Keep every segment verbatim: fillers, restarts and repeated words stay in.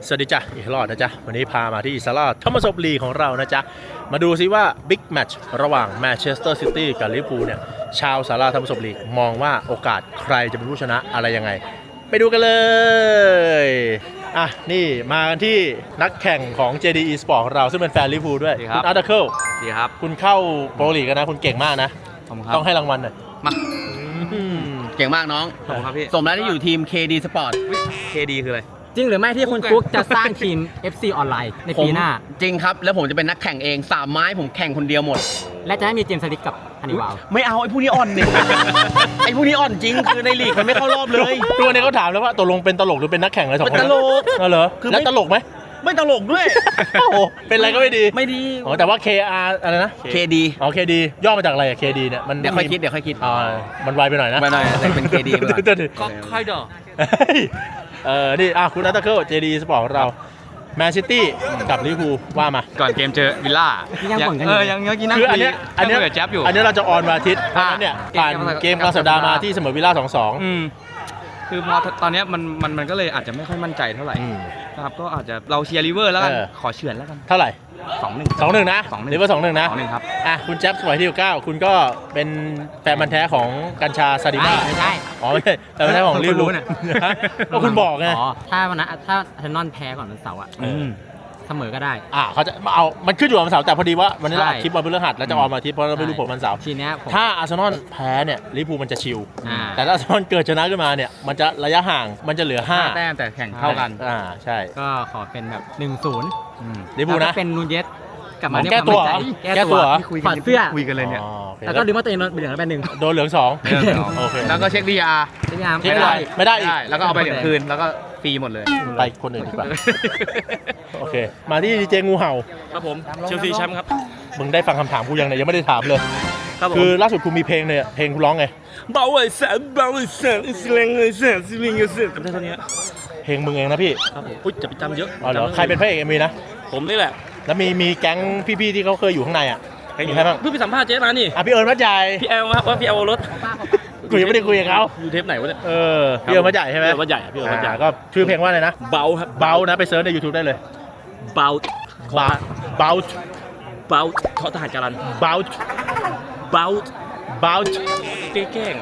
สวัสดีจ้ะอีกรอบนะจ๊ะวันนี้พามาที่ซาร่าธอมัสลีของเรานะจ๊ะมาดูซิว่าบิ๊กแมตช์ระหว่างแมนเชสเตอร์ซิตี้กับลิเวอร์พูลเนี่ยชาวซาร่าธอมัสลีมองว่าโอกาสใครจะเป็นผู้ชนะอะไรยังไงไปดูกันเลยอ่ะนี่มากันที่นักแข่งของ เจ ดี Esport ของเราซึ่งเป็นแฟนลิเวอร์พูลด้วยคุณอาร์ตเคิลดีครับคุณเข้าโปรลีกกันนะคุณเก่งมากนะต้องให้รางวัลหน่อยมาเก่งมากน้องขอบคุณครับพี่สมแล้วที่อยู่ทีม เค ดี Sport เค ดี คืออะไรจริงหรือไม่ที่คุณกุ๊กจะสร้างทีม เอฟ ซี ออนไลน์ในปีหน้าจริงครับแล้วผมจะเป็นนักแข่งเองสามไม้ผมแข่งคนเดียวหมดและจะให้มีเจมส์สลิกกับฮันนี่วาวไม่เอาไอ้ผู้นี้อ่อนเนี่ยไอ้ผู้นี้อ่อนจริงคือในลีกมันไม่เข้ารอบเลยตัวนี้เขาถามแล้วว่าตกลงเป็นตลกหรือเป็นนักแข่งอะไรสองคนเป็นตลกเหรอคือแล้วตลกไหมไม่ตลกด้วยโอ้เป็นอะไรก็ไม่ดีไม่ดีอ๋อแต่ว่า เค อาร์ อะไรนะเค ดีอ๋อ เค ดี ย่อมาจากอะไรอะ เค ดี เนี่ยมันเดี๋ยวค่อยคิดเดี๋ยวค่อยคิดอ๋อมันไวไปหน่อยนะไวหน่อยแต่เป็น เค ดีก็ค่อยดอกเออนี่อ่ะคุณนัทเคิล เจ ดี Sport ของเราแมนซิตี้กับลิเวอร์พูลว่ามาก่อนเกมเจอวิลล่ายังบ่นกันอเอยู่ อยังยังกินนั่งคืออันเนี้ยอันเนี้ยแจ๊บอยู่อันเนี้ยเราจะออนวันอาทิตย์เพราะฉะนั้นเนี่ยผ่านเกมกลางสัปดาห์มาที่เสมอวิลล่า สองสองอืมคือพอตอนเนี้ยมันมันมันก็เลยอาจจะไม่ค่อยมั่นใจเท่าไหร่นะครับก็อาจจะเราเชียร์ลิเวอร์แล้วกันขอเฉือนแล้วกันเท่าไหร่สองหนึ่งสองหนึ่งนะสองหนึ่งลิเวอร์สองหนึ่งนะสองหนึ่งครับอ่ะคุณแจ๊บสมัยที่เก้าคุณก็เป็นแฟนมันแท้ของกัญชาซาดิมาไม่ใช่อ๋อไม่ใช่แฟนมันแท้ของลิเวอร์พูลเนี่ยก็คุณบอกไงอ๋อถ้าวันนั้นถ้าอาร์เซนอลแพ้ก่อนวันเสาร์อ่ะเสมอก็ได้อ่าเขาจะเอามันขึ้นอยู่วันเสาร์แต่พอดีว่าวันนี้เราอัดคลิปวันพฤหัสแล้วจะออนมาอาทิตย์เพราะเราไม่รู้ผลวันเสาร์ทีเนี้ยถ้าอาร์เซนอลแพ้เนี่ยลิเวอร์พูลมันจะชิลแต่ถ้าอาร์เซนอลเกิดชนะขึ้นมาเนี่ยมันจะระยะห่างมันจะเหลือห้าแต้มแต่แข่งเท่ากันอ่าใช่ก็ขอเป็นแบบหนึ่งศูนย์ลิเวอร์พูลนะเป็นนูนเยสกลับมาแก้ตัวแก้ตัวถอดเสื้อคุยกันเลยเนี่ยแล้วก็ดึงว่าตัวเองโดนเหลืองแล้วเป็นหนึ่งโดนเหลืองสองโอเคแล้วก็เช็คดีอาร์เช็คดีอาร์ไม่ได้ไม่ได้อีกแล้วก็เอาไปเหลืองคืนแล้วก็ฟรีหมดเลยไปคนอื่นดีกว่าโอเคมาที่ดีเจงูเห่าครับผมเชลซีแชมป์ครับมึงได้ฟังคำถามกูยังเนี่ยยังไม่ได้ถามเลยคือล่าสุดคุณมีเพลงเนี่ยเพลงคุณร้องไงเบาไอ้แสนเบาไอ้แสนอิสเลงไอ้แสนซิลิงไอ้แสนจำได้เท่านี้เพลงมึงเองนะพี่ครับผมอุ้ยจะไปจำเยอะอ๋อเหรอใครเป็นพระเอกเอ็มวีนะผมนี่แหละแล้วมีมีแก๊งพี่ๆที่เขาเคยอยู่ข้างในอ่ะมีใครบ้างเพิ่งไปสัมภาษณ์เจ๊มานี่อ่ะพี่เอิญมัดใหญ่พี่แอลว่าพี่แอลรถกูยังไม่ได้คุยกับเขาอยู่เทปไหนวะเนี่ยเออพี่เอิญมัดใหญ่ใช่ไหมมัดใหญ่พี่เอิญมัดใหญ่ก็ชื่อเพลงว่าอะไรนะเบาครับเบานะไปเซิร์ชใน YouTube ได้เลยเบาเบาเบาเบาทอทหารการันเบาเบาเบาแกล้ง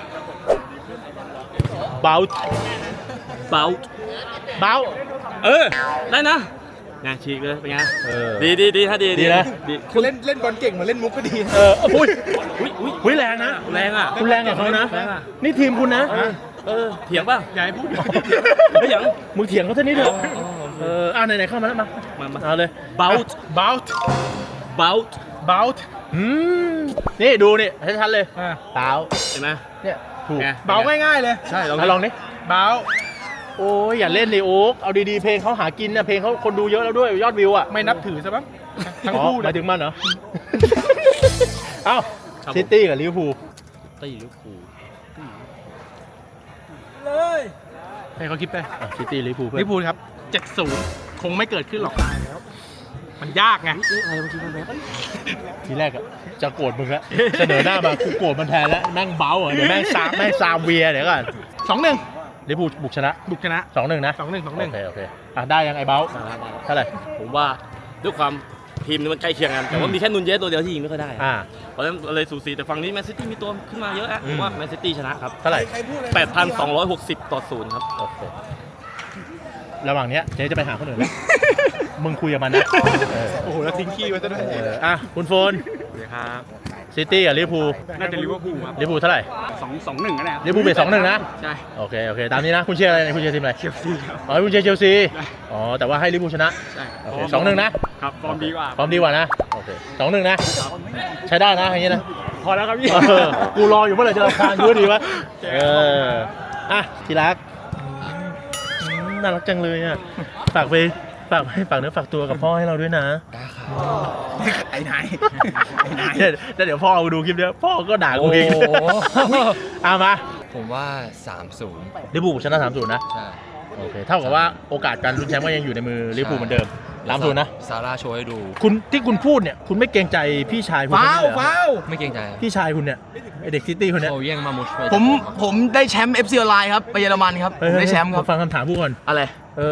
เบาเบาเบาเออได้นะงานฉีกเลยเป็นไงดีดีดีถ้าดีดีนะคุณเล่นเล่นบอลเก่งมาเล่นมุกก็ดีเอออุ้ยอุ้ยอุ้ยอุ้ยแรงนะแรงอ่ะคุณแรงกับเขานะนี่ทีมคุณนะเออเถียงป่ะใหญ่พูดไม่เถียงมึงเถียงเขาเท่านี้เถอะเอออ่าไหนๆเข้ามาแล้วมามาเอาเลย bout bout bout bout อืมนี่ดูนี่ให้ชัดเลยเบาเห็นไหมเนี่ยถูกเบาง่ายๆเลยใช่ลองลองดิเบาโอ้ยอย่าเล่นเลยโอ๊กเอาดีๆเพลงเขาหากินนะเพลงเขาคนดูเยอะแล้วด้วยยอดวิวอ่ะไม่นับถือซะบ้างทั้งคู่หมายถึงมันเหรอเอ้าซิตี้กับลิเวอร์พูลตี้ลิเวอร์พูลเลยให้เขาคิดไปซิตี้ลิเวอร์พูลลิเวอร์พูลครับเจ็ดศูนย์คงไม่เกิดขึ้นหรอกมันยากไงอะไรบางทีมันแบบทีแรกอะจะโกรธมึงละเสนอหน้ามากูโกรธมันแทนแล้วแม่งเบ้าเดี๋ยวแม่งซามแม่งซามเวียเดี๋ยวก่อนสองหนึ่งลิเวอร์พูลบุกชนะบุกชนะสองหนึ่งนะสองหนึ่งสองหนึ่งโอเคโอเคอ่ะได้ยังไอ้เบ้าเท่าไหร่ผมว่าด้วยความทีมมันใกล้เคียงกันแต่ว่ามีแค่นุนเยสตัวเดียวที่ยิงไม่ค่อยได้เพราะฉะนั้นเลยสูสีแต่ฝั่งนี้แมนซิตี้มีตัวขึ้นมาเยอะอะผมว่าแมนซิตี้ชนะครับเท่าไหร่แปดพันสองร้อยหกสิบต่อศูนย์ครับโอเคระหว่างนี้เจ๊จะไปหาคนอื่นแล้วมึงคุยกับมันนะโอ้โหแล้วทิ้งขี้ไว้ซะด้วยอ่ะคุณโฟนครับซิตี้กับลิเวอร์พูลน่าจะลิเวอร์พูลครับลิเวอร์พูลเท่าไหร่สองสองหนึ่งก็ได้ลิเวอร์พูลเป็นสองหนึ่งนะใช่โอเคโอเคตามนี้นะคุณเชียร์อะไรคุณเชียร์ทีมอะไรเชลซีครับอ๋อคุณเชียร์เชลซีอ๋อแต่ว่าให้ลิเวอร์พูลชนะใช่โอเคสองหนึ่งนะครับฟอร์มดีกว่าฟอร์มดีกว่านะโอเคสองหนึ่งนะใช้ได้นะอย่างนี้นะพอแล้วครับพี่กูรออยู่เมื่อไหร่จะรำคาญกูดีวะเอออ่ะทีรักน่ารักจังเลยอ่ะฝากไปฝากให้ฝากเนื้อฝากตัวกับพ่อให้เราด้วยนะได้ครับไอ้นายไอ้นายเดี๋ยวพ่อเอาดูคลิปเนี้ยพ่อก็ด่ากูเองเอามาผมว่า สามศูนย์ลิเวอร์พูลชนะ สามศูนย์ นะใช่โอเคเท่ากับว่าโอกาสการลุ้นแชมป์ก็ยังอยู่ในมือลิเวอร์พูลเหมือนเดิม สามศูนย์ นะซาร่าโชว์ให้ดูคุณที่คุณพูดเนี่ยคุณไม่เกรงใจพี่ชายคุณฟ้าวฟ้าวไม่เกรงใจพี่ชายคุณเนี่ยไอเด็กซิตี้คนเนี้ยเขาแย่งมามุชไปผมผมได้แชมป์ เอฟ ซี ออนไลน์ครับไปเยอรมันครับได้แชมป์ครับฟังคำถามผู้ก่อนอะไรเออ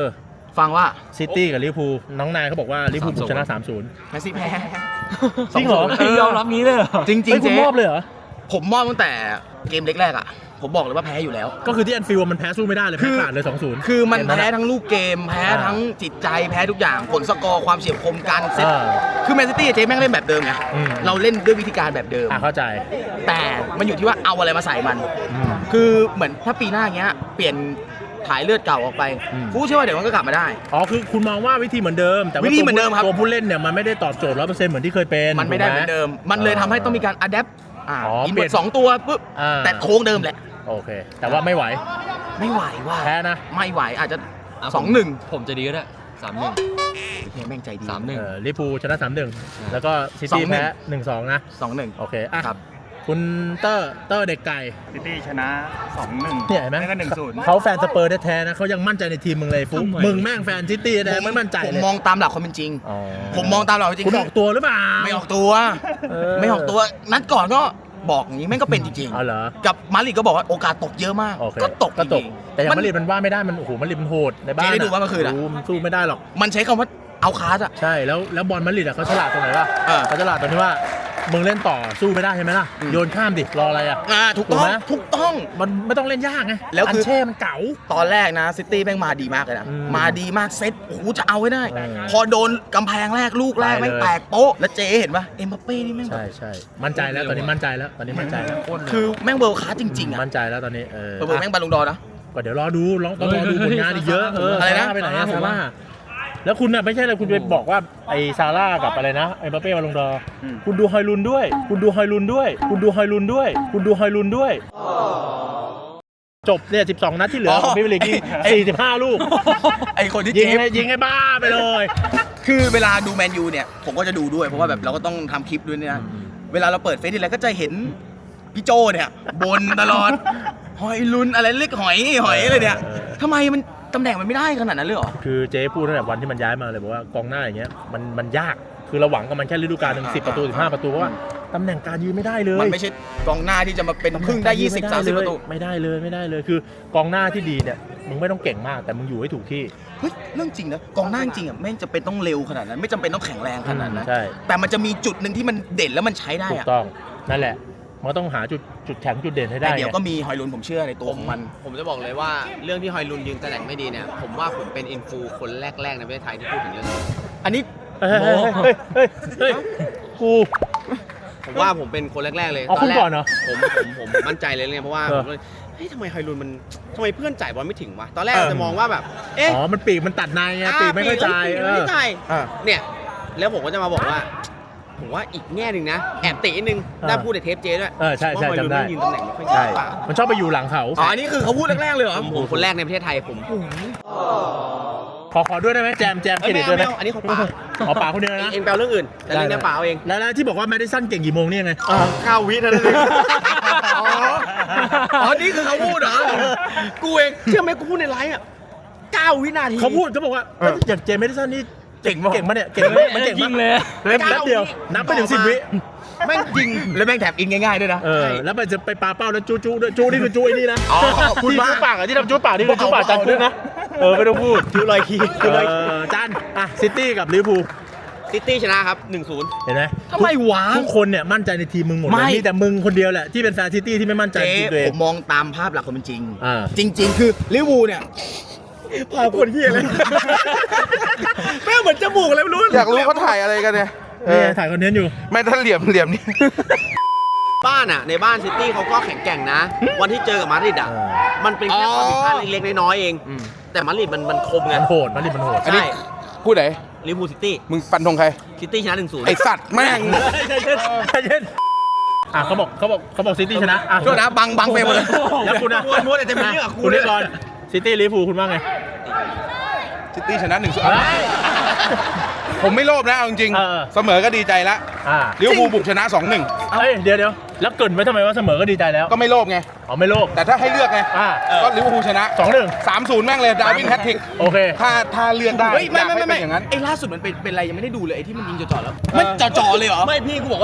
ฟังว่าซิตี้กับลิเวอร์พูลน้องนายเขาบอกว่าลิเวอร์พูลบุกชนะ สามศูนย์แมนซีแพ้จริงเหรอยอมรับนี้เลยเหรอจริงจริงเฮ้ยคุณเจ๊มอบเลยเหรอผมมอบตั้งแต่เกมเล็กแรกอ่ะ ผมบอกเลยว่าแพ้อยู่แล้วก็คือที่แอนฟิลด์มันแพ้สู้ไม่ได้เลยคืแพ้อขาดเลย สองศูนย์คือมันเกแพ้อะทั้งลูกเกม แพ้อ่าทั้งจิตใจแพ้ทุกอย่างผลสกอร์ความเฉียบคมการเซตอ่าคือแมนซิตี้เจ๊แม่งเล่นแบบเดิมไงอืมเราเล่นด้วยวิธีการแบบเดิมอ่ะเข้าใจแต่มันอยู่ที่ว่าเอาอะไรมาใส่มันอืมคือเหมือนถ้าปีหน้าเงี้ยเปลี่ยนถ่ายเลือดเก่าออกไปอืมกูเชื่อว่าเดี๋ยวมันก็กลับมาได้อ๋อคือคุณมองว่าวิธีเหมือนเดิม แต่ว่าวิธีเหมือนเดิมครับตัวผู้เล่นเนี่ยมันไม่ได้ตอบโจทย์ร้อยเปอร์เซ็นต์เหมือนที่เคยเป็นมันไม่ได้เหมือนเดิม มันเลยทำให้ต้องมีการอัดแอปอ่าอ๋ออินเปลี่เวิยร์นสองตัวปุ๊บอ่าแต่โค้งเดิมแหละโอเค แต่ว่าไม่ไหวไม่ไหวว่ะแพ้นะไม่ไหวอาจจะอ่ะสองหนึ่งผมจะดีก็ได้สามหนึ่งแม่งใจดีสามหนึ่งเออลิเวอร์พูลชนะ สามหนึ่ง แล้วก็ซิสอตี้งหนึ่งแพ้ หนึ่งสอง นะสองหนึ่งโอเคอ่ะครับคุณเตอร์เตอร์เด็กไก่ซิตี้ชนะ สองหนึ่งเนี่ยเห็นไหมไม่ก็หนึ่งศูนย์เขาแฟนสเปอร์แท้ๆนะเขายังมั่นใจในทีมมึงเลยฟุ๊กมึงแม่งแฟนซิตี้แท้ๆไม่มั่นใจผมเลยมองตามหลักความเป็นจริงอ๋อผมมองตามหลักความเป็นจริงคุณออกตัวหรือเปล่าไม่ออกตัวเออไม่ออกตัว นัดก่อนก็บอกอย่างนี้แม่งก็เป็นจริงอ๋อเหรอๆ กับมาดริดก็บอกว่าโอกาสตกเยอะมากโอเคก็ตกก็ตจกริงๆแต่อย่างมันมาดริดมันว่าไม่ได้มันโอ้โหมาดริดมันโหดในบ้านเจ๊ได้ดูว่าเมื่อคืนอะโโหมันสู้ไม่ได้หรอกมันใช้คำว่าเอาคาสอะใช่แล้วแล้วบอลมาดริดอะเขาฉลาดตรงไหนวะเออเขาฉลาดตรงที่ว่ามึงเล่นต่อสู้ไม่ได้ใช่ไหมล่ะอืมโยนข้ามดิรออะไรอะอ่าถูกถูต้กองไหมถูกต้องมันไม่ต้องเล่นยากไงแล้วคืออันเช่มันเก๋าตอนแรกนะซิตี้แม่งมาดีมากเลยนะอืมมาดีมากเซตโอ้โหจะเอาไว้ได้เออพอโดนกำแพงแรกลูกแรกไปเลยแม่งแตกโป๊ะแล้วเจ๊เห็นปะเอ็มบัปเป้นี่แม่งแบใช่บใช่มั่นใจแล้วตอนนี้มั่นใจแล้วตอนนี้มั่นใจแล้วคือแม่งเวิร์คคลาสจริงๆอะมั่นใจแล้วตอนนี้เออเวิร์แม่งบอลลงดอร์นะก็เดี๋ยวรอดูรอต้องรอดูผลงานอีกเยอะเอออะไรนะซาร่าไปไหนอะซาร่าแล้วคุณน่ะไม่ใช่เลยคุณไปบอกว่าไอ้ซาร่ากับอะไรนะไอ้มบัปเป้มาลงดอร์คุณดูฮอยลุนด้วย คุณดูฮอยลุนด้วย คุณดูฮอยลุนด้วย คุณดูฮอยลุนด้วย จบเนี่ยสิบสองนัดที่เหลือของพิมพ์ลีกยิงสี่สิบห้าลูกไอคนที่ยิงเจ๊ให้ยิงให้บ้าไปเลยคือเวลาดูแมนยูเนี่ยผมก็จะดูด้วยเพราะว่าแบบเราก็ต้องทำคลิปด้วยเนี่ยนะเวลาเราเปิดเฟซทีไรก็จะเห็นพี่โจเนี่ยบนตลอด หอยลุนอะไรเล็กหอยหอยอะไรเนี่ยทำไมมันตำแหน่งมันไม่ได้ขนาดนั้นเลยเหรอคือเจ๊พูดตั้งแต่วันที่มันย้ายมาเลยบอกว่ากองหน้าอย่างเงี้ยมันมันยากคือเราหวังกับมันแค่ฤดูกาลหนึ่งสิบประตูสิบห้าประตูเพราะว่าตำแหน่งการยืนไม่ได้เลยมันไม่ใช่กองหน้าที่จะมาเป็นพึ่งได้ยี่สิบ สามสิบประตูไม่ได้เลยไม่ได้เลยคือกองหน้าที่ดีเนี่ยมึงไม่ต้องเก่งมากแต่มึงอยู่ให้ถูกที่เฮ้ยเรื่องจริงนะกองหน้าจริงอ่ะไม่จำเป็นต้องเร็วขนาดนั้น ไม่จำเป็นต้องแข็งแรงขนาดนั้นใช่แต่มันจะมีจุดหนึ่งที่มันเด่นแล้วมันใช้ได้ถูกอ่ะต้องนั่นแหละมันต้องหาจุดจุดแข็งจุดเด่นให้ได้แต่เดี๋ยวไงก็มีหอยลุนผมเชื่อในตัวของมันผมจะบอกเลยว่าเรื่องที่ฮอยลุนยืนตำแหน่งไม่ดีเนี่ย ผมว่าผมเป็นอินฟูคนแรกๆในประเทศไทยที่พูดถึงเรื่องนี้อันนี้เฮ้ยเฮ้ยเฮ้ยเฮ้ยเฮ้ยกูผมว่าผมเป็นคนแรกๆเลยเอาคุณแรก่อนเหรอผมผมผมผมมั่นใจเลยเนี่ยเพราะว่าเออผมเลยเฮ้ยทำไมฮอยลุนมันทำไมเพื่อนจ่ายบอลไม่ถึงวะตอนแรกเออจะมองว่าแบบเอ๊ะอ๋อมันปีกมันตัดในไงปีกไม่ค่อยจ่ายปีกเอมันอไม่จ่ายอ่าเนี่ยแล้วผมก็จะมาบอกว่า ผมว่าอีกแง่หนึ่งนะแอบตินิดนึงเออได้พูดในเทปเจด้วยเออใช่ใช่ว่าฮอยลุนจำได้ไม่ยืนตำแหน่งไม่ค่อยใช่ดีเปล่ามันชอบไปอยู่หลังเขาอ๋ออันนี้คือเขาพูดแรกๆเลยเหรอผมผมคนแรกในประเทศไทยผมขอขอด้วยได้ไหมแจมแจมเครเอ้ยดิไม่ตด้วยไหมเอาไม่เอาอันนี้ของป๋าอ๋อป๋าคนเดียวนะเองแปลเรื่องอื่นแต่เรื่องเนี้ยป๋าเอาเองแล้วแล้วที่บอกว่าแมดิสันเก่งกี่โมงเนี่ยไงข้าววิเท่านั้นเองอ๋ออ๋อนี่คือเขาพูดเหรอกูเองเชื่อไหมกูพูดในไลฟ์อ่ะเก้าวินาทีเขาพูดเขาบอกว่าอย่างเจมส์แมดิสันนี่เก่งเก่งมาเนี่ยเก่งไหมมันเก่งมากเลยเล่นแป๊บเดียวนับไปถึงสิบวิแม่งจริงแล้วแม่งแถบอินง่ายๆด้วยนะเออแล้วมันจะไปปาเป้าแล้วจู้จู้ด้วยจู้นี่คือจู้ไอ้นี่นะอ๋อขอบคุณที่มากจู้ปากอะที่ทำจู้ปากนี่คือจู้ปากจานคุกนะเออไม่ต้องพูดจู้ลอยคีจู้ลอยคีจานอ่ะซิตี้กับลิเวอร์พูลซิตี้ชนะครับ หนึ่งศูนย์เห็นไหมทำไมวะทุกคนเนี่ยมั่นใจในทีมมึงหมดเลไม่ยมีแต่มึงคนเดียวแหละที่เป็นแฟนซิตี้ที่ไม่มั่นใจเจ๊ในทีมตัวเอผงมมองตามภาพหลักความเป็นจริงอ่าจริง ๆ คือลิเวอร์พูลเนี่ยพาคนเฮียเลยแม่งเหมือนจมูกอะไรไม่รู้อยากรู้เขาถ่ายอะไรกันเนี่ยเอนี่อไงถ่ายคอนเทนต์อยู่ไม่ถ้าเหลี่ยมเหลี่ยมนี่บ้านอ่ะ ในบ้านซิตี้เขาก็แข็งแกร่งนะ วันที่เจอกับมาดริดอ่ะเออมันเป็นแค่ความผิดพลาดเล็กๆน้อยๆเอง แต่มาดริดมันมันคมไงมันโหดมันดิมันโหดอันนี้ใช่พูดไหนลิเวอร์พูลซิตี้มึงฟันธงใครซิตี้ชนะหนึ่งศูนย์ไอสัตว์แม่งใจเย็นใจเย็นอ่ะเขาบอกเขาบอกเขาบอกซิตี้ชนะอ่ะโทษนะบังบังเฟรมหมดเลยแล้วคุณนะม้วนๆแต่จะมีเรื่องกับคุคุณ ณนี่เนี่ยก่อนซิตี้ลิเวอร์พูลคุณว่าไงซิตี้ชนะหนึ่งศูนย์ผมไม่โลภนะเอาจริงเออๆเสมอก็ดีใจแล้วอ่าลิเวอร์พูลบุกชนะสองหนึ่งเอ้ยเดี๋ยวเดี๋ยวแล้วเกรินไว้ทำไมว่าเสมอก็ดีใจแล้วก็ไม่โลภไงอ๋อไม่โลภแต่ถ้าให้เลือกไงอ่าก็ลิเวอร์พูลชนะสองหนึ่งสามศูนย์แม่งเลยดาร์วินแฮตทริกโอเคถ้าถ้าเลือกได้เฮ้ยอไม่ยากไม่ให้ไม่เป็นไม่อย่างนั้นไอ้ล่าสุดมันเป็นเป็นอะไรยังไม่ได้ดูเลยไอ้ที่มันยิงจ่อๆแล้วมันจ่อๆเลยเหรอไม่พี่กูบอกว่า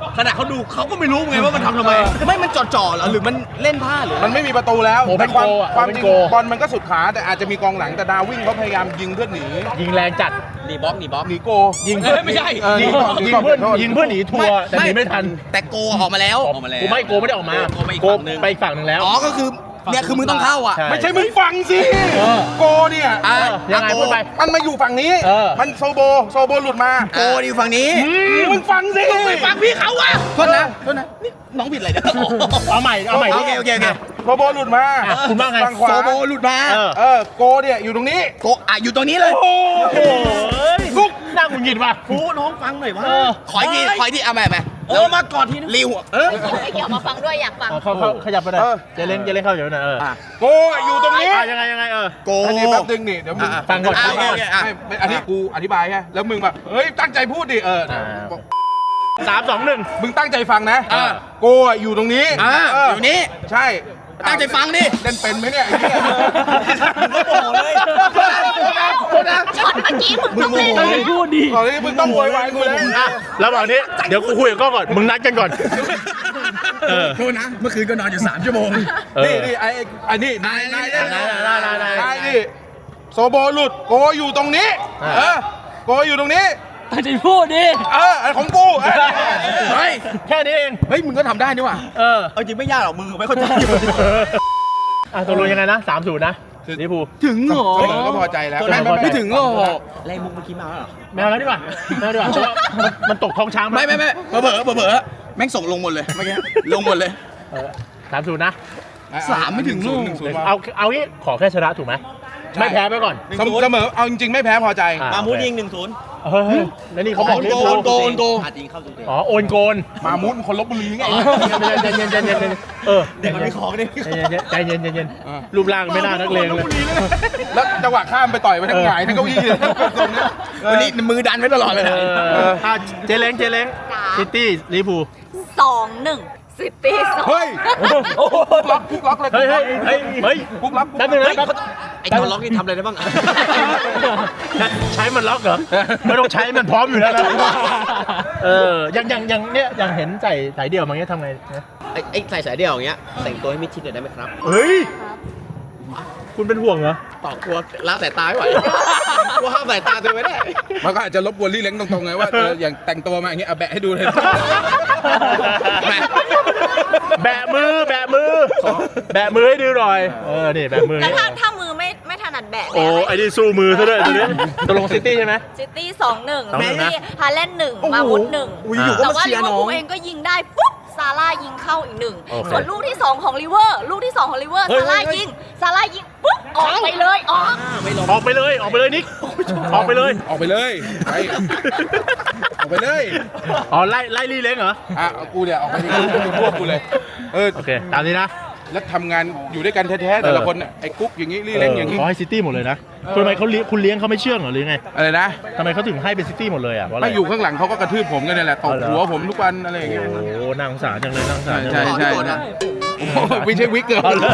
ขนาดเขาดูเขาก็ไม่รู้ไงว่ามันทำทำไม ไม่มันจ่อๆเหรอหรือมันเล่นผ้าหรือมันไม่มีประตูแล้วโอ้เป็นแต่ความโกอะความเป็นจริงโกบอลมันก็สุดขาแต่อาจจะมีกองหลังแต่ดาวิ่งเขาพยายามยิงเพื่อหนียิงแรงจัดหนีบล็อกหนีบล็อกหนีโกยิงเอ้ยไม่ใช่เออหนียิงก่อนหนียิงก่อนเพื่อนขอโทษยิงเพื่อนหนีทัวร์แต่หนีไม่ทันแต่โกออกมาแล้วออกมาแล้วกูไม่โกไม่ได้ออกมาโกไปอีกโกฝั่งหนึ่งไปอีกฝั่งหนึ่งแล้วอ๋อก็คือเนี่ยคือมึงต้องเข้าอ่ะใช่ไม่ใช่มึงฟังสิเออโกเนี่ยอ่ะเออยังไงอ่ะโกพูดไปมันมาอยู่ฝั่งนี้เออมันโซโบโซโบหลุดมาโกอยู่ฝั่งนี้มึงฟังสิไปฟังพี่เขาอ่ะโทษนะโทษนะนี่น้องผิดอะไรเนี่ยเอาใหม่เอาใหม่โอดิเคโอเคโอเคโซโบหลุดมาอ่ะคุณว่าไงฝั่งขวาโซโบหลุดมาเออเออโกเนี่ยอยู่ตรงนี้โกอ่ะอยู่ตรงนี้เลยโอ้โหกุ๊กนั่งหงุดหงิดว่ะฟูน้องฟังหน่อยว่าเออขออีกทีขออีกทีเอาใหม่ไหมเออมาก่อนทีนึงริวอ่ะเออไอ้เกี่ยวมาฟังด้วยอยากฟังเอาเข้าเข้าขยับไปหน่อยเออเจเล้งเจเล้งเข้าอยู่หน่อยเอออ่ะโกอยู่ตรงนี้อ่ะยังไงยังไงเออโกอันนี้แป๊บนึงนี่เดี๋ยวมึงอ่ะฟังก่อนอ่ะฟังก่อนโอเคอ่ะไม่ไม่อันนี้กูอธิบายแค่แล้วมึงแบบเฮ้ยตั้งใจพูดดิเอออ่า สามสองหนึ่งมึงตั้งใจฟังนะอ่ะโกอ่ะอยู่ตรงนี้อ่ะเอยู่นี้ใช่ตั้งใจฟังดิเล่นเป็นไหมเนี่ยไอ้เหี้ยมึงก็โมโหเลยโทษนะช็อตเมื่อกี้มึงต้องเล่นมึงโมโหพูดดีตอนนี้มึงต้องโวยวายกูแล้วอ่ะระหว่างนี้เดี๋ยวกูคุยกับกล้องก่อน มึงนัดกันก่อน เออโทษนะ เมื่อคืนก็นอนอยู่สามชั่วโมงเออนี่นี่ไอ้ไอ้ไอ้นี่นายนายนายนายนายนายนายนายนี่โซโบหลุดโกอยู่ตรงนี้อ่าเออโกอยู่ตรงนี้ตั้งใจพูดดิเอออันของกูเออเฮ้ยแค่นี้เองเฮ้ย มึงก็ทำได้นี่หว่าเออเอาจริงไม่ยากหรอก มึงไม่เข้าใจอ่ะตกลงยังไงนะสามศูนย์นะลิเวอร์พูลถึงเหรอเสมอก็พอใจแล้วเสมอพอใจไม่ถึงหรอกอะไรมุกเมื่อกี้มาแล้วเหรอไม่เอาแล้วดีกว่าไม่เอาดีกว่าเพราะว่ามันมันตกท้องช้างปไม่ไม่ไม่เผลอเผลอเผลอเผลอแม่งส่งลงหมดเลยเมื่อกี้ ลงหมดเลยสามศูนย์นะสามไม่ถึงลูกหนึ่งศูนย์เอาเอางี้ขอแค่ชนะถูกไหมไม่แพ้ไปก่อนเสมอเสมอเอาจริงๆไม่แพ้พอใจอ่ะมามูดยิงหนึ่งศูนย์เฮ้ยแล้วนี่เขาบอกโอนลิเวโกอร์พูลโอนโกโอนโกอาจยิงเข้าตัวเองอ๋อโอนโกนมามุดคนลบบุรีไงใจเย็นใจเย็นใจเย็นเออเด็กมันมีของดิใจเย็นใจเย็นใจเย็นอ่ารูปร่างไม่น่านักเลงเลยแล้วจังหวะข้ามไปต่อยไปทั้งหงายทั้งเก้าอี้เลยตรงเนี้ยวันนี้มือดันไว้ตลอดเลยนะเอออ่ะเจเล้งเจเล้งจ้าซิตี้ลิเวอร์พูลสองหนึ่งซิตี้สองเฮ้ยคุกล็อกคุกล็อกเลยเฮ้ยเฮ้ยเฮ้ยเฮ้ยคุกล็อกแป๊บนึงนะแป๊บไอ้ตัวล็อกนี่ทำอะไรได้บ้างใช้มันล็อกเหรอไม่ต้องใช้มันพร้อมอยู่แล้วนะเอออย่างอย่างอย่างเนี้ยอย่างเห็นใส่สายเดี่ยวมาเงี้ยทำไงนะไอ้ไอ้ใส่สายเดี่ยวอย่างเงี้ยแต่งตัวให้มิดชิดหน่อยได้ไหมครับเฮ้ยคุณเป็นห่วงเหรอต่อกลัวละสายตาไม่ไหวกลัวห้ามสายตาตัวไม่ได้มันก็อาจจะลบกวนลี่เล้งตรงๆไงว่าเอออย่างแต่งตัวมาอย่างเงี้ยเอาแบะให้ดูเลยแบะแบะมือแบะมือแบะมือให้ดูหน่อยเออนี่แบะมือแล้วนี่ถ้าถ้ามือไม่ไม่ถนัดแบะโอ้ไอ้นี่สู้มือซะด้วยตัวนี้ตกลงซิตี้ใช่ไหมซิตี้สองหนึ่งสองหนึ่งนะที่ฮาแลนด์หนึ่งมาวุธหนึ่งอุ้ยอยู่ก็แต่มาว่าเชีลิยร์เวอร์น้อพูงลเองก็ยิงได้ปุ๊บซาร่ายิงเข้าอีกหนึ่งโอเคส่วนลูกที่สองของลิเวอร์ลูกที่สองของลิเวอร์เฮ้ยซาร่ายิงซาร่ายิงปุ๊บออกไปเลยออกออกไปเลยออกไปเลยนิกออกไปเลยออกไปเลยไปออกไปเลยอ๋อไล่ไล่ลี่เล้งเหรออ่ะเอากูเนี่ยออกไปดิกูพวกกูเลยเออโอเคตามนี้นะแล้วทำงานอยู่ด้วยกันแท้ๆแต่ละคนน่ะไอ้กุ๊กอย่างงี้ลี่เล้งอย่างงี้เขาให้ซิตี้หมดเลยนะทำไมเขาเลี้ยงคุณเลี้ยงเขาไม่เชื่องเหรอหรือไงอะไรนะทำไมเขาถึงให้เป็นซิตี้หมดเลยอ่ะเพราะอะไรไม่อยู่ข้างหลังเขาก็กระทืบผมกันเนี่ยแหละตบหัวผมทุกวันอะไรอย่างเงี้ยโอ้โหน่าสงสารจังเลยน่าสงสารจังใช่เลยใช่ขอโทษนะโอ้โหไม่ใช่วิกเกิร์เอาเลย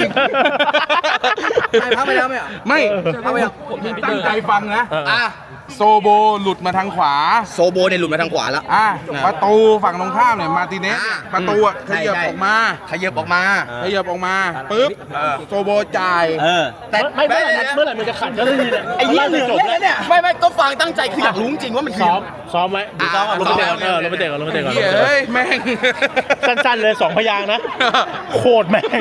ไม่พักไปแล้วไหมอ่ะไม่พักไปแล้วผมตั้งใจฟังนะเอออ่ะโซโบหลุดมาทางขวาโซโบเนี่ยหลุดมาทางขวาแล้วอ่ะประตูฝั่งตรงข้ามเนี่ยมาร์ติเนสอ่าประตูอ่ะขใช่ยับใช่ออกมาขยับออกมาขยับออกมาปุ๊บโซโบจ่ายแต่ไม่เมื่อไหร่เมื่อไหร่มันจะขัดก็ได้ทีเนี่ยไอ้ยี่เหลืองจบเล่นแล้วเนี่ยไม่ไม่ก็ฟังตั้งใจคืออยากรู้จริงว่ามันคือซ้อมซ้อมไว้อ่าลงไปเตะก่อนเออลงไปเตะก่อนลงไปเตะก่อนลงเฮ้ยไปเตะก่อนเอ้ยแม่งสั้นๆเลยสองพยางค์นะโคตรแม่ง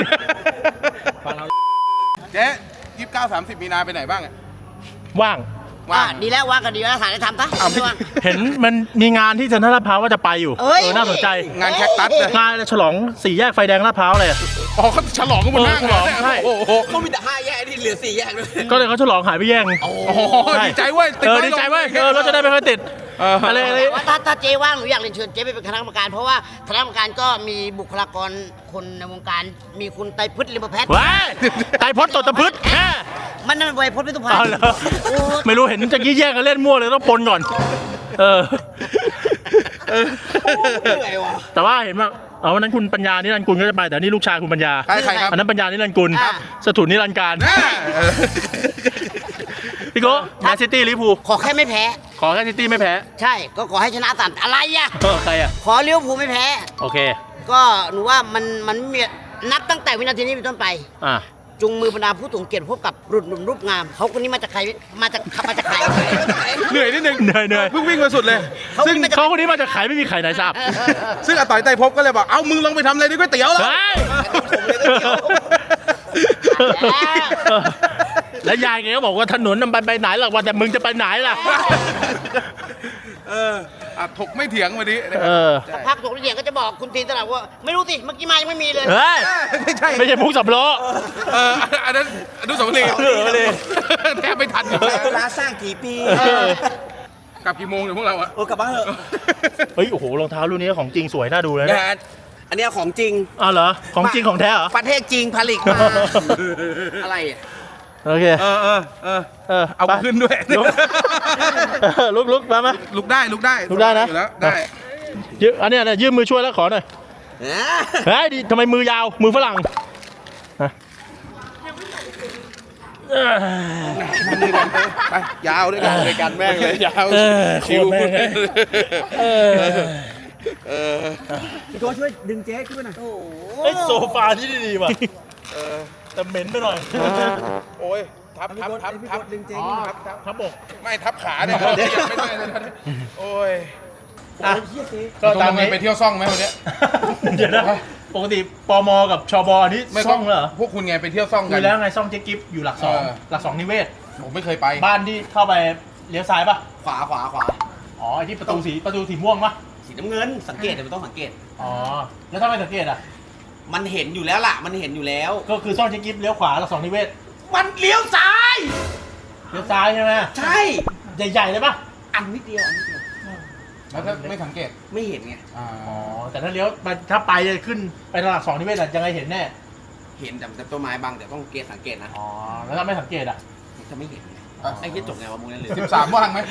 เจ๊ยี่สิบเก้าสามสิบมีนาไปไหนบ้างอะว่างว่างดีแล้วว่ากันดีแล้วหาอะไรทำปะอ้าวไม่เห็นมันมีงานที่เซ็นทรัลลาดพร้าวว่าจะไปอยู่เอ้ยเออน่าสนใจงานแคคตัสเลยงานฉลองสี่แยกไฟแดงลาดพร้าวเลยอะอ๋อเขาฉลองกันบนหน้าเออฉลองเลยใช่โอ้โหเขามีแต่ห้าแยกที่เหลือสี่แยกด้วยก็เลยเขาฉลองหายไปแย่งโอ้โหดีใจเว้ยติเออไว้ดีใจเว้ยลงเออเราจะได้ไม่ค่อยติดเออออะไรอะไรว่าถ้าถ้าเจ๊ว่างหนูอยากเรียนเชิญเจ๊ไปเป็นคณะกรรมการ เพราะว่าคณะกรรมการก็มีบุคลากรคนในวงการมีคุณไตรพฤษลิมแพทย์ว้ายไตรพจน์ตดตะพึดแค่มันนั่นไวยพจน์พิทุพันเอาธ์เหรอโอ้ไม่รู้เห็นจะกี้แย่งกันเล่นมั่วเลยต้องปนก่อน เออเหนื่อยว่ะแต่ว่าเห็นว่าเอาวันนั้นคุณปัญญานิรันดร์กุลก็จะไปแต่นี่ลูกชายคุณปัญญาใครใครครับอันนั้นปัญญานิรันดร์กุลสถุนนิรันดร์การอ่าเออพี่โก้แมนซิตี้ลิเวอร์พูลขอแค่ไม่แพ้ขขอแค่ซิตี้ไม่แพ้ใช่ก็ขอให้ชนะสามอะไรอ่ะเออใครอ่ะขอลิเวอร์พูลไม่แพ้โอเคก็หนูว่ามันมันไม่มีนับตั้งแต่วินาทีนี้เป็นต้นไปอ่ะจุงมือบรรดาผู้สูงเกียรติพบกับรุ่นหนุ่มรูปงามเขาคนนี้มาจากใครมาจากมาจากใครเหนื่อยนิดนึงเหนื่อยเหนื่อยเพิ่งวิ่งมาสุดเลยซึ่งเขาคนนี้มาจากขายไม่มีใครไหนทราบซึ่งอาต่อยไต่ภพก็เลยบอก เอ้ามึงลองไปทำอะไรในก๋วยเตี๋ยวแล้วเฮ้ยแล้วยายแกก็บอกว่าถนนมันไปไปไหนหรอกว่าแต่มึงจะไปไหนล่ะเอออ่ะถกไม่เถียงวันนี้นะคเอรับอสักพักถกเถียงก็จะบอกคุณทีนตลอดว่า ไม่รู้สิเมื่อกี้มายังไม่มีเลยเฮ้ยไม่ใช่ไม่ใช่มุกสับล้อเอออันนั้นอนุสาวรีย์อนุสาวรีย์แทบไม่ทันอยู่เวลาสร้างกี่ปีกลับกี่โมงเดี๋ยวพวกเราอะโอ้กลับบ้านเถอะเฮ้ยโอ้โหรองเท้ารุ่นนี้ของจริงสวยน่าดูเลยนะนะฮะอันเนี้ยของจริงอ้าวเหรอของจริงของแท้เหรอประเทศจริงผลิตมาอะไรอ่ะโอเคเออเออเออเออเอาไปขึ้นด้วยลุกเออลุกลุกมามาลุกได้ลุกได้ลุกได้นะอยู่แล้วได้ยืมอันเนี้ยเนี่ยยื่นมือช่วยแล้วขอหน่อยเฮ้ยดิทำไมมือยาวมือฝรั่งฮะเอ้ยไปยาวด้วยกันด้วยกันแม่งเลยยาวเออชิวโคตรแม่งเลยเออเออพี่โก้ช่วยดึงเจ๊ขึ้นมาหน่อยไอยโซฟาที่ดีว่ะแต่เหม็นไปหน่อยโอ้ยทับทับทับทับดึงเจ๊อ๋อขึ้นมาทับทับครับผมไม่ทับขาเนี่ยไม่ได้เลยนะโอ้ยอ่ะก็ตามนี้ไปเที่ยวซ่องไหมวันเนี้ยเดี๋ยวนะปกติปมกับชบอันนี้ไม่ซ่องเหรอพวกคุณไงไปเที่ยวซ่องคุกัยนแล้วไงซ่องเจ๊กิฟอยู่หลักสองเออหลักสองนิเวศผมไม่เคยไปบ้านที่เข้าไปเลี้ยวซ้ายป่ะขวาขวาขวาอ๋อไอที่ประตูสีประตูสีม่วงป่ะสีน้ำเงินสังเกตเดี๋ยวมันต้องสังเกตอ๋อแล้วถ้าไม่สังเกตอ่ะมันเห็นอยู่แล้วล่ะ มันเห็นอยู่แล้วก็คือซ่องเจ๊กิฟเลี้ยวขวาหลักสองนิเวศมันเลี้ยวซ้ายเลี้ยวซ้ายใช่ไหมใช่ใหญ่ๆเลยป่ะอันนิดเดียวอันนิดเดียวแล้วถ้าไม่สังเกตไม่เห็นไงอ่าอ๋อแต่ถ้าเลี้ยวไปถ้าไปจะขึ้นไปหลักสองนิเวศอะยังไงเห็นแน่เห็นแต่แต่ต้นไม้บางแต่ต้องเกตสังเกตนะอ๋อแล้วถ้าไม่สังเกตอ่ะมันจะไม่เห็นไงไอ้เหี้ยจบไงวะมึงนั่นเลยสิบสามว่างไหม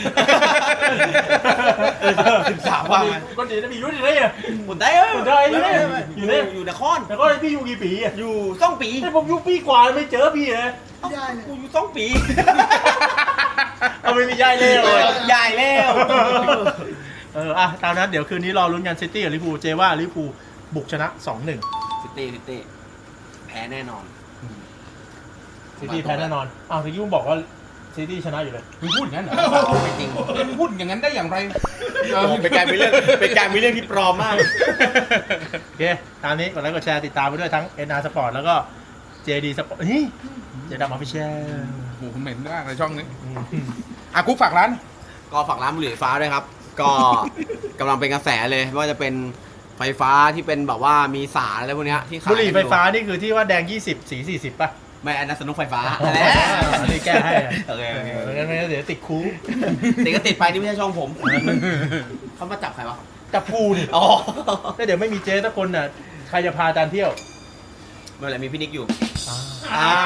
สิบสามว่างไหมคนดีนะมียุ่งดีเลยอ่ะหมุนได้เออหมุนได้อยู่เนี่ยอยู่เนี่ยอยู่นครแต่ก็พี่อยู่กี่ปีอ่ะอยู่ซ่องปีไอ้ผมอยู่ปีกว่าไม่เจอพี่เลยเอ้ากูอยู่ซ่องปีเอาไม่มีย่ายเล่เลยยายแล้วเอออ่ะตามนั้นเดี๋ยวคืนนี้รอลุ้นกันซิตี้กับลิเวอร์พูลเจว่าลิเวอร์พูลบุกชนะ สองหนึ่งซิตี้ซิตี้แพ้แน่นอนซิตี้แพ้แน่นอนอ้าวที่ยุ่งบอกว่าซิตี้ชนะอยู่เลยมึงพูดอย่างนั้นเหรอไม่จริงมึงพูดอย่างนั้นได้อย่างไรเป็นการมีเรื่องเป็นการมีเรื่องที่ปลอมมากโอเคตามนี้กดไลค์กดแชร์ติดตามไปด้วยทั้ง เอ็น อาร์ Sport แล้วก็ เจ ดี Sport นี่เจดำออฟฟิเชียลโอ้โหเหม็นมากในช่องนี้อ่ะกุ๊กฝากร้านก็ฝากร้านบุหรี่ไฟฟ้าด้วยครับ ก็กำลังเป็นกระแสเลยไม่ว่าจะเป็นไฟฟ้าที่เป็นแบบว่ามีสารอะไรพวกเนี้ยที่ขายบุหรี่ไฟฟ้านี่คือที่ว่าแดงยี่สิบสีสี่สิบป่ะไม่อันนั้นสนุกไฟฟ้าอ๋อแหละอันนี้แก้ให้อะโอเคโอเคเอองั้นไม่งั้นเดี๋ยวติดคุกติดก็ติดไปนี่ไม่ใช่ช่องผมเขามาจับใครวะจับกูนี่อ๋อแล้วเดี๋ยวไม่มีเจ๊สักคนน่ะใครจะพาอาจารย์เที่ยวไม่เป็นไรมีพี่นิกอยู่อ้าว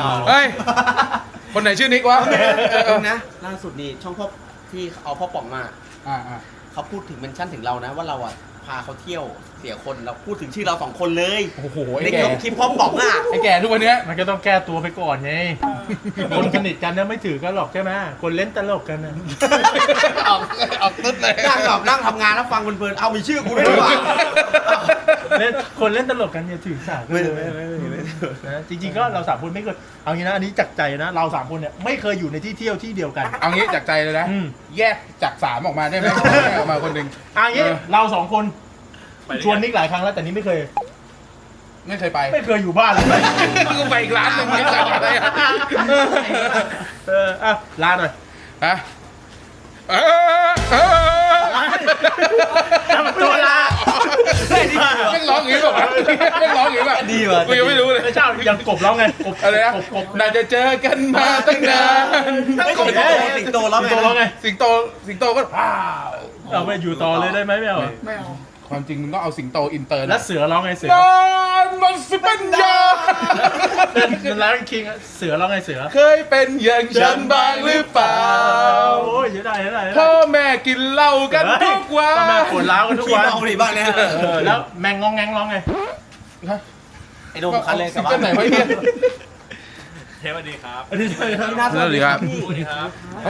เฮ้ย คนไหนชื่อนิกวะเออนะล่าสุดนี่ช่องพ่อที่เอาพ่อป๋องมาอ่าอ่าเขาพูดถึงเมนชั่นถึงเรานะว่าเราอ่ะพาเขาเที่ยวเสียคนเราพูดถึงชื่อเราสองคนเลยโอ้โหในไอ้แก่คลิปพ่อป๋องอ่ะไอ้แก่ทุกวันเนี้ยมันก็ต้องแก้ตัวไปก่อนไง คนสนิทกันเนี่ยไม่ถือกันหรอกใช่ไหมคนเล่นตลกกันนะออกออกตึ๊ดเลยนั่งแบบนั่งทำงานแล้วฟังเพลินๆเอามีชื่อกูด้วยดีกว่าเล่นคนเล่นตลกกันอย่าถือสาไม่ไม่ไม่ไม่ไม่นะจริงๆก็เราสามคนไม่เคยเอางี้นะอันนี้จากใจนะเราสามคนเนี่ยไม่เคยอยู่ในที่เที่ยวที่เดียวกันเอางี้จากใจเลยนะอืมแยกจากสามออกมาได้ไหมแยกออกมาคนหนึ่งอันนี้เออเราสองคนชวนนิกหลายครั้งแล้วแต่นี่ไม่เคยไม่เคยไปไม่เคยอยู่บ้านเลยมึงก็ไปอีกร้านหนึ่งไม่จัดอะไรอ่ะเอออ่ะลาหน่อยฮะเออเออทำตัวลาแม่งร้องอย่างนี้ป่ะวะแม่งร้องอย่างนี้ป่ะดีว่ะกูยังไม่รู้เลยไม่ใช่ยังกบร้องไงกบอะไรนะกบกบน่าจะเจอกันมาตั้งนานไม่สิงโตสิงโตแล้วสิงโตร้องไงสิงโตสิงโตก็ว้าวเอาไปอยู่ต่อเลยได้ไหมไม่เอาเหรอไม่เอาความจริงมึงต้องเอาสิงโตอินเตอร์แล้วนะเสือร้องไงเสือนานมันสิเป็นยาเป็นร้านคิงเสือร้องไงเสือเคยเป็นอย่างฉันบ้างหรือเปล่าโอ้ยเยอะได้เยอะได้เยอะพ่ได้อแม่กินเหล้ากันทุกวันพ่อแม่ปวดร้าวกันทุกวันขี้เมาดิบ้างเนี่ยเออแล้วแมงงองแงงร้องไงไอ้โดมคันเลยกลับซิงบ้าเกิลไหนนวะเนี่ยสวัสดีครับสวัสดีครับ